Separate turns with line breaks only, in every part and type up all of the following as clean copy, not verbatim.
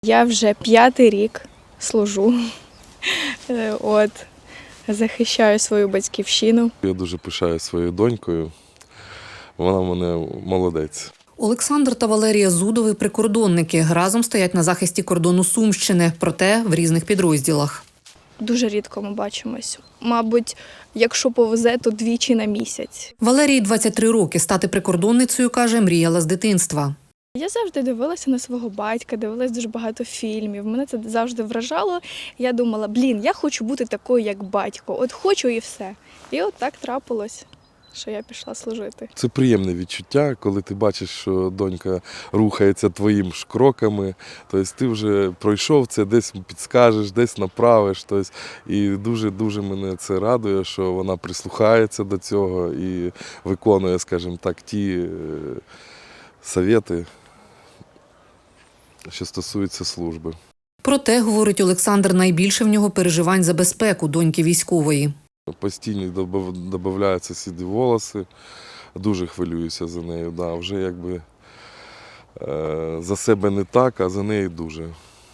Я вже 5-й рік служу, захищаю свою батьківщину.
Я дуже пишаю своєю донькою, вона в мене молодець.
Олександр та Валерія Зудови – прикордонники. Разом стоять на захисті кордону Сумщини, проте в різних підрозділах.
Дуже рідко ми бачимось. Мабуть, якщо повезе, то двічі на місяць.
Валерії 23 роки. Стати прикордонницею, каже, мріяла з дитинства.
Я завжди дивилася на свого батька, дивилася дуже багато фільмів. Мене це завжди вражало. Я думала, я хочу бути такою, як батько. От хочу і все. І от так трапилось, що я пішла служити.
Це приємне відчуття, коли ти бачиш, що донька рухається твоїм ж кроками. Тобто ти вже пройшов це, десь підскажеш, десь направиш. Тобто, і дуже-дуже мене це радує, що вона прислухається до цього і виконує, скажімо так, ті совєти, що стосуються служби.
Проте, говорить Олександр, найбільше в нього переживань за безпеку доньки військової.
Постійно додаються сіді волоси, дуже хвилююся за нею. Да, вже якби за себе не так, а за неї дуже.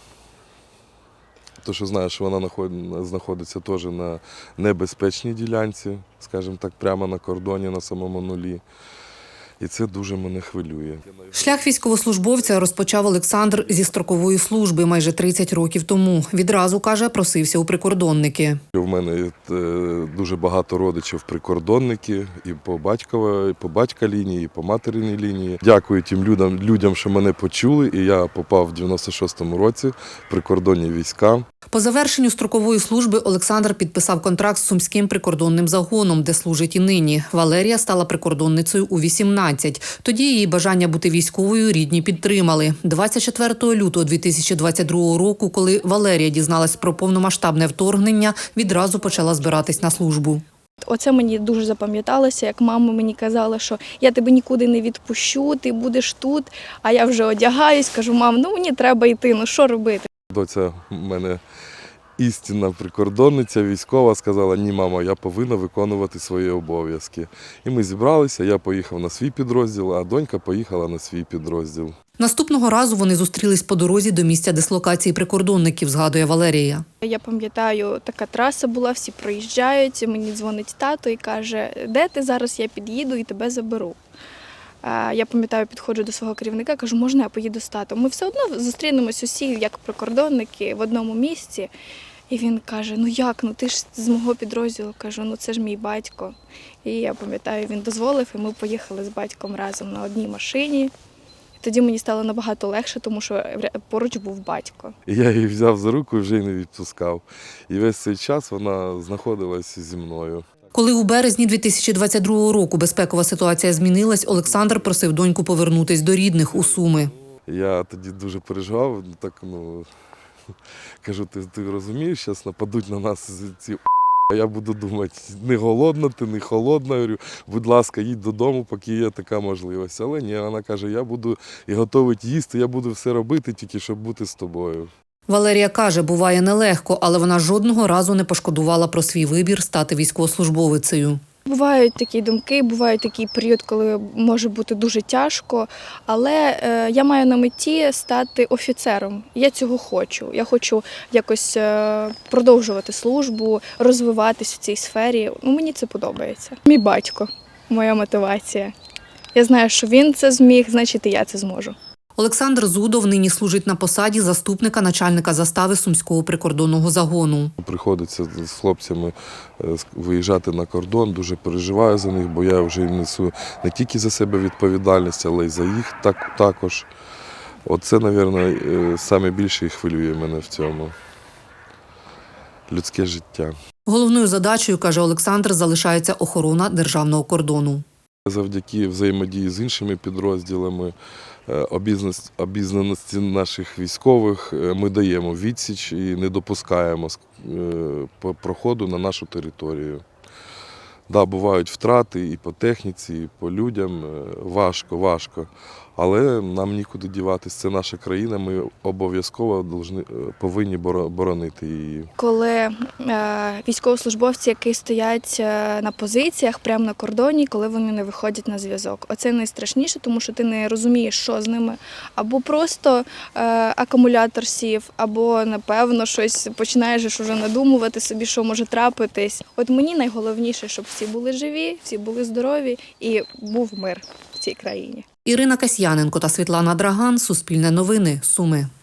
Тому що знаю, що вона знаходиться теж на небезпечній ділянці, скажімо так, прямо на кордоні, на самому нулі. І це дуже мене хвилює.
Шлях військовослужбовця розпочав Олександр зі строкової служби майже 30 років тому. Відразу, каже, просився у прикордонники.
У мене дуже багато родичів прикордонники і по батька лінії, і по материній лінії. Дякую тим людям, що мене почули, і я попав в 96-му році в прикордонні війська.
По завершенню строкової служби Олександр підписав контракт з Сумським прикордонним загоном, де служить і нині. Валерія стала прикордонницею у 18. Тоді її бажання бути військовою рідні підтримали. 24 лютого 2022 року, коли Валерія дізналась про повномасштабне вторгнення, відразу почала збиратись на службу.
Оце мені дуже запам'яталося, як мама мені казала, що я тебе нікуди не відпущу, ти будеш тут. А я вже одягаюсь, кажу, мам, мені треба йти, що робити?
Доця в мене істинна прикордонниця, військова, сказала, ні, мама, я повинна виконувати свої обов'язки. І ми зібралися, я поїхав на свій підрозділ, а донька поїхала на свій підрозділ.
Наступного разу вони зустрілись по дорозі до місця дислокації прикордонників, згадує Валерія.
Я пам'ятаю, така траса була, всі проїжджають, мені дзвонить тато і каже, де ти зараз, я під'їду і тебе заберу. Я пам'ятаю, підходжу до свого керівника, кажу, можна я поїду з татом? Ми все одно зустрінемось усі, як прикордонники, в одному місці. І він каже, як, ти ж з мого підрозділу. Кажу, це ж мій батько. І я пам'ятаю, він дозволив, і ми поїхали з батьком разом на одній машині. І тоді мені стало набагато легше, тому що поруч був батько.
І я її взяв за руку і вже й не відпускав. І весь цей час вона знаходилася зі мною.
Коли у березні 2022 року безпекова ситуація змінилась, Олександр просив доньку повернутись до рідних у Суми.
Я тоді дуже переживав, кажу, ти розумієш, зараз нападуть на нас ці а я буду думати, не голодна ти, не холодна, говорю, будь ласка, їдь додому, поки є така можливість. Але ні, вона каже, я буду і готовить їсти, я буду все робити, тільки щоб бути з тобою.
Валерія каже, буває нелегко, але вона жодного разу не пошкодувала про свій вибір стати військовослужбовицею.
Бувають такі думки, буває такий період, коли може бути дуже тяжко, але я маю на меті стати офіцером. Я цього хочу. Я хочу якось продовжувати службу, розвиватись в цій сфері. Мені це подобається. Мій батько, моя мотивація. Я знаю, що він це зміг, значить і я це зможу.
Олександр Зудов нині служить на посаді заступника начальника застави Сумського прикордонного загону.
Приходиться з хлопцями виїжджати на кордон, дуже переживаю за них, бо я вже несу не тільки за себе відповідальність, але й за їх також. Оце, мабуть, найбільше хвилює мене в цьому. Людське життя.
Головною задачею, каже Олександр, залишається охорона державного кордону.
Завдяки взаємодії з іншими підрозділами, обізнаності наших військових ми даємо відсіч і не допускаємо проходу на нашу територію. Да, бувають втрати і по техніці, і по людям, важко. Але нам нікуди діватись. Це наша країна, ми обов'язково повинні боронити її.
Коли військовослужбовці, які стоять на позиціях прямо на кордоні, коли вони не виходять на зв'язок. Оце найстрашніше, тому що ти не розумієш, що з ними. Або просто акумулятор сів, або, напевно, щось починаєш уже надумувати собі, що може трапитись. От мені найголовніше, щоб всі були живі, всі були здорові і був мир в цій країні.
Ірина Касьяненко та Світлана Драган. Суспільне новини. Суми.